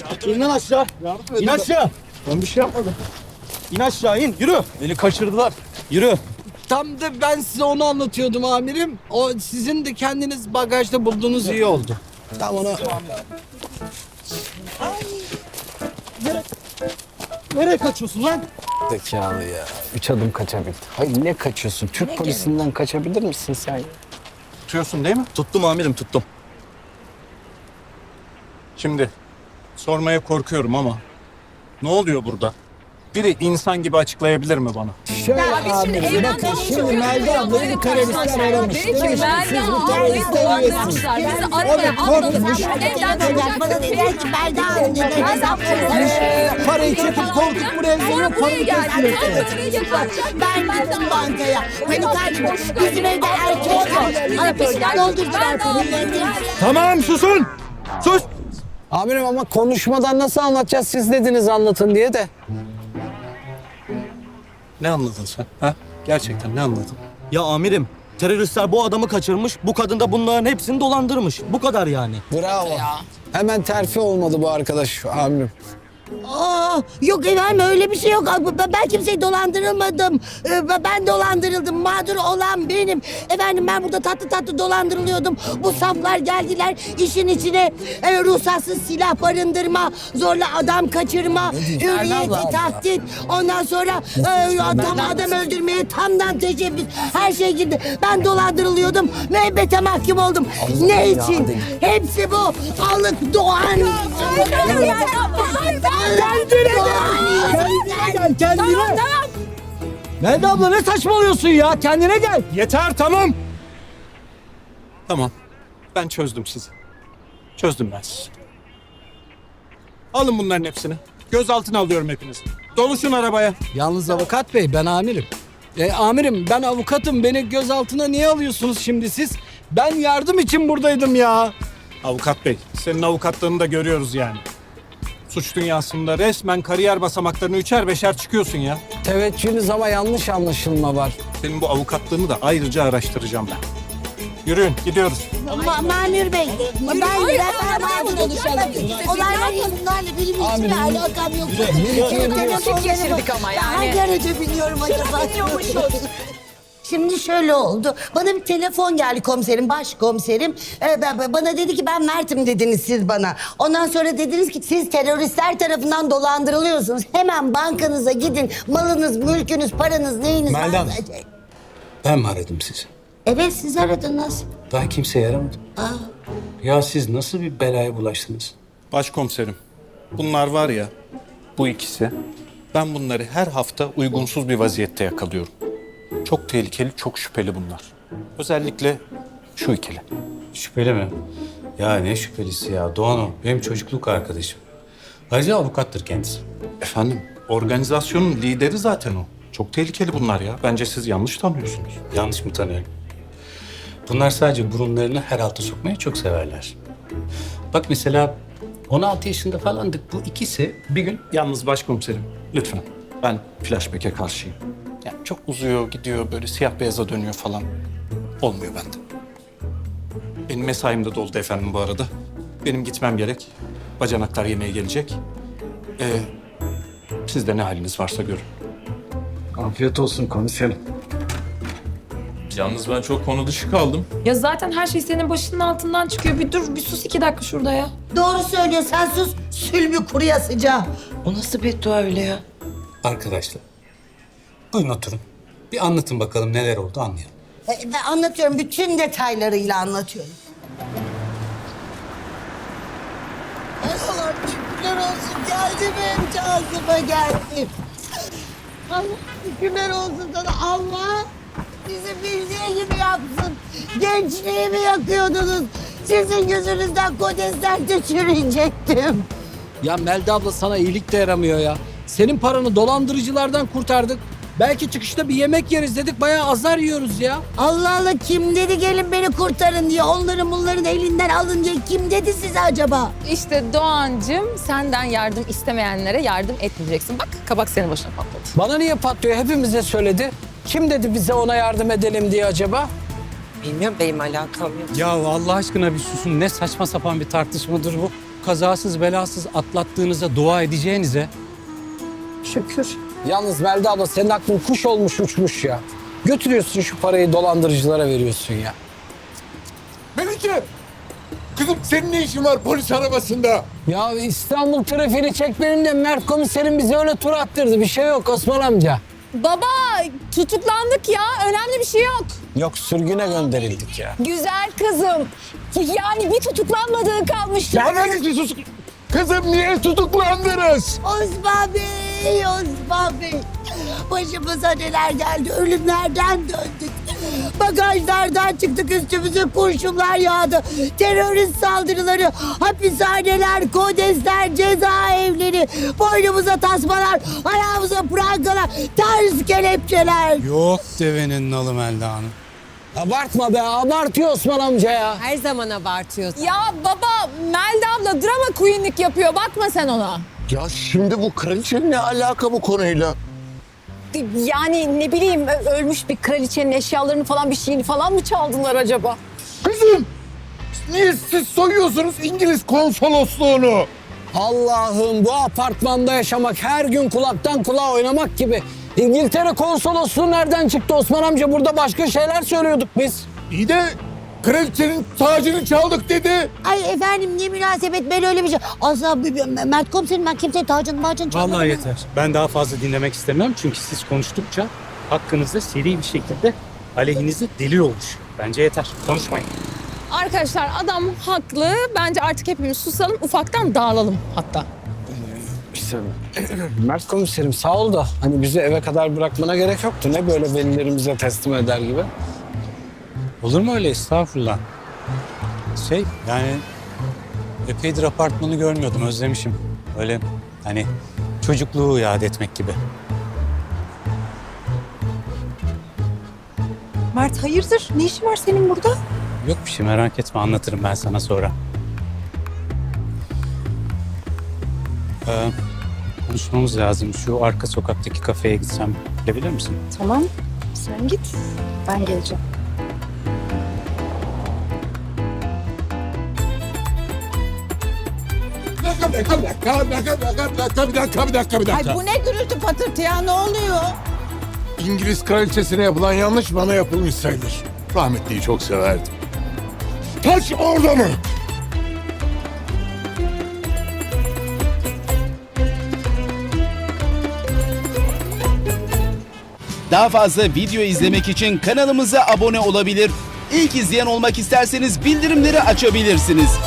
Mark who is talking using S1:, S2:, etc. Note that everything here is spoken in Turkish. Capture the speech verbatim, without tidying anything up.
S1: İn lan aşağı. İn aşağı.
S2: Ben bir şey yapmadım.
S1: İn aşağı in. Yürü. Beni kaçırdılar. Yürü.
S3: Tam da ben size onu anlatıyordum amirim. O sizin de kendiniz bagajda bulduğunuz iyi oldu.
S1: Tam onu... Nereye kaçıyorsun lan?
S3: Zekalı ya. Üç adım kaçabildi. Hayır ne kaçıyorsun? Türk polisinden kaçabilir misin sen?
S2: Tutuyorsun değil mi?
S1: Tuttum amirim tuttum.
S2: Şimdi sormaya korkuyorum ama ne oluyor burada? Biri insan gibi açıklayabilir mi bana?
S3: Şöyle
S4: biz şimdi
S3: amirim.
S4: evden
S3: Bakın
S4: konuşuyoruz.
S3: şimdi Melda ablayı teröristler aramış.
S4: Dedi ki Meryem ablayı dolandırmışlar. Bizi arabaya atladılar. Evden çıkacak.
S5: Bana dediler ki Melda Hanım dedi. Hesap çözer.
S3: Parayı çekip koltuk buraya geliyor.
S4: Sonra buraya
S3: Parayı
S4: geldi.
S3: kesiyor.
S4: Parayı yakalayacak.
S5: Ben gittim bankaya. Hani kaç bizim evde erkek var. Arabasına doldurdular paralarını.
S1: Tamam susun. Sus.
S3: Amirim ama konuşmadan nasıl anlatacağız? Siz dediniz anlatın diye de.
S2: Ne anladın sen? Ha? Gerçekten ne anladın?
S1: Ya amirim teröristler bu adamı kaçırmış. Bu kadın da bunların hepsini dolandırmış. Bu kadar yani.
S3: Bravo. Hemen terfi olmadı bu arkadaş amirim.
S5: Aa, yok efendim öyle bir şey yok. Ben ben kimseyi dolandırılmadım. Ee, Ben dolandırıldım. Mağdur olan benim. Efendim ben burada tatlı tatlı dolandırılıyordum. Bu saflar geldiler işin içine e, ruhsatsız silah barındırma, zorla adam kaçırma, hürriyeti tahdit. Ondan sonra e, adam, adam öldürmeye tamdan teşebbüs. Her şey girdi. Ben dolandırılıyordum. Müebbete mahkum oldum. Ne için? Hepsi bu. Alık Doğan.
S3: Kendine gel kendine.
S4: Tamam tamam.
S3: Melda abla ne saçmalıyorsun ya? Kendine gel.
S2: Yeter tamam. Tamam. Ben çözdüm sizi. Çözdüm ben sizi. Alın bunların hepsini. Gözaltına alıyorum hepinizi. Doluşun arabaya.
S3: Yalnız avukat bey ben amirim. E, amirim ben avukatım. Beni gözaltına niye alıyorsunuz şimdi siz? Ben yardım için buradaydım ya.
S2: Avukat bey, senin avukatlığını da görüyoruz yani. Suç dünyasında resmen kariyer basamaklarını üçer beşer çıkıyorsun ya.
S3: Teveccühünüz ama yanlış anlaşılma var.
S2: Senin bu avukatlığını da ayrıca araştıracağım ben. Yürüyün, gidiyoruz.
S5: Ma Mamur Bey, ben
S4: hayır,
S5: ben
S4: arabaya konuşalım.
S5: Olaylar bunlarla benim hiçbir alakam yok.
S4: Vakit geçirdik ama yani.
S5: Hangi araca biniyorum acaba? Şimdi şöyle oldu. Bana bir telefon geldi komiserim, başkomiserim. Ee, ben- ben- bana dedi ki ben Mert'im dediniz siz bana. Ondan sonra dediniz ki siz teröristler tarafından dolandırılıyorsunuz. Hemen bankanıza gidin. Malınız, mülkünüz, paranız, neyiniz
S6: Melda
S5: varsa-
S6: Hanım. Ben mi aradım sizi?
S5: Evet siz aradınız.
S6: Daha kimseye yaramadım. Ya siz nasıl bir belaya bulaştınız?
S2: Başkomiserim, bunlar var ya, bu ikisi. Ben bunları her hafta uygunsuz bir vaziyette yakalıyorum. Çok tehlikeli, çok şüpheli bunlar. Özellikle şu ikili.
S6: Şüpheli mi? Ya ne şüphelisi ya? Doğan o. Benim çocukluk arkadaşım. Ayrıca avukattır kendisi.
S2: Efendim, organizasyonun lideri zaten o. Çok tehlikeli bunlar ya. Bence siz yanlış tanıyorsunuz.
S6: Yanlış mı tanıyorum? Bunlar sadece burunlarını her alta sokmayı çok severler. Bak mesela on altı yaşında falandık. Bu ikisi bir gün...
S2: Yalnız başkomiserim, lütfen. Ben flashback'e karşıyım. Yani çok uzuyor, gidiyor, böyle siyah beyaza dönüyor falan. Olmuyor bende. Benim mesaim de doldu efendim bu arada. Benim gitmem gerek. Bacanaklar yemeğe gelecek. Ee, siz de ne haliniz varsa görün.
S3: Afiyet olsun komiserim.
S7: Yalnız ben çok konu dışı kaldım.
S4: Ya zaten her şey senin başının altından çıkıyor. Bir dur, bir sus iki dakika şurada ya.
S5: Doğru söylüyor sen sus. Sülbü kuruya sıcağı.
S8: O nasıl beddua öyle ya?
S6: Arkadaşlar, buyurun oturun. Bir anlatın bakalım neler oldu anlayalım.
S5: E, Ben anlatıyorum. Bütün detaylarıyla anlatıyorum. Allah'ım şükürler olsun. Geldi benim cazıma geldi. Allah şükürler olsun sana. Allah bizi bildiği gibi yapsın. Gençliğimi yakıyordunuz. Sizin yüzünüzden kodesler çürüyecektim.
S3: Ya Melda abla sana iyilik de yaramıyor ya. Senin paranı dolandırıcılardan kurtardık. Belki çıkışta bir yemek yeriz dedik. Bayağı azar yiyoruz ya.
S5: Allah Allah kim dedi gelin beni kurtarın diye. Onların bunların elinden alın diye kim dedi size acaba?
S4: İşte Doğancığım senden yardım istemeyenlere yardım etmeyeceksin. Bak kabak senin başına patladı.
S3: Bana niye patlıyor? Hepimize söyledi. Kim dedi bize ona yardım edelim diye acaba?
S8: Bilmiyorum benim alakam yok.
S6: Ya Allah aşkına bir susun. Ne saçma sapan bir tartışmadır bu. kazasız belasız atlattığınıza dua edeceğinize
S3: Şükür. Yalnız Melda abla senin aklın kuş olmuş uçmuş ya. Götürüyorsun şu parayı dolandırıcılara veriyorsun ya.
S7: Melike! Kızım senin ne işin var polis arabasında?
S3: Ya İstanbul trafiğini çek benimle Mert komiserim bizi öyle tur attırdı. Bir şey yok Osman amca.
S4: Baba tutuklandık ya. Önemli bir şey yok.
S3: Yok sürgüne gönderildik ya.
S4: Güzel kızım. Yani bir tutuklanmadığı kalmıştı.
S7: Nereden sus? Kızım niye tutuklandınız?
S5: Osman Bey, Osman Bey. Başımıza neler geldi, ölümlerden döndük. Bagajlardan çıktık, üstümüze kurşunlar yağdı. Terörist saldırıları, hapishaneler, kodesler, cezaevleri. Boynumuza tasmalar, ayağımıza prangalar, ters kelepçeler.
S6: yok devenin nalı Melda Hanım.
S3: Abartma be, abartıyor Osman amca ya.
S9: Her zaman abartıyorsun.
S4: Ya baba Melda abla drama queenlik yapıyor. Bakma sen ona.
S7: Ya şimdi bu kraliçenin ne alaka bu konuyla?
S9: Yani ne bileyim ö- ölmüş bir kraliçenin eşyalarını falan bir şeyini falan mı çaldılar acaba?
S7: Kızım! Niye siz soyuyorsunuz İngiliz konsolosluğunu?
S3: Allah'ım bu apartmanda yaşamak her gün kulaktan kulağa oynamak gibi. İngiltere konsolosluğu nereden çıktı Osman amca? Burada başka şeyler söylüyorduk biz.
S7: İyi de kraliçenin tacını çaldık dedi.
S5: Ay efendim ne münasebet, ben öyle bir şey. Asla Mert komiserim, ben kimseye tacını macını çalmadım.
S6: Vallahi yeter. Ben daha fazla dinlemek istemem çünkü siz konuştukça hakkınızda seri bir şekilde aleyhinize delil olmuş. Bence yeter. Konuşmayın.
S4: Arkadaşlar adam haklı. Bence artık hepimiz susalım. Ufaktan dağılalım hatta.
S3: İşte Mert komiserim sağ ol da hani bizi eve kadar bırakmana gerek yoktu. Ne böyle velilerimize teslim eder gibi.
S6: Olur mu öyle? Estağfurullah. Şey yani epeydir apartmanı görmüyordum. Özlemişim. Öyle hani çocukluğu yad etmek gibi.
S9: Mert hayırdır? Ne işin var senin burada?
S6: Yok bir şey merak etme anlatırım ben sana sonra. Ee, konuşmamız lazım. Şu arka sokaktaki kafeye gitsem bilebilir misin?
S9: Tamam. Sen git. Ben geleceğim.
S7: Bir dakika, bir dakika, bir dakika, bir dakika, bir dakika, bir dakika, bir dakika, bir dakika.
S5: Ay bu ne gürültü patırtı ya, ne oluyor?
S7: İngiliz kraliçesine yapılan yanlış bana yapılmış sayılır. Rahmetliyi çok severdim. Taç orada mı?
S10: Daha fazla video izlemek için kanalımıza abone olabilir. İlk izleyen olmak isterseniz bildirimleri açabilirsiniz.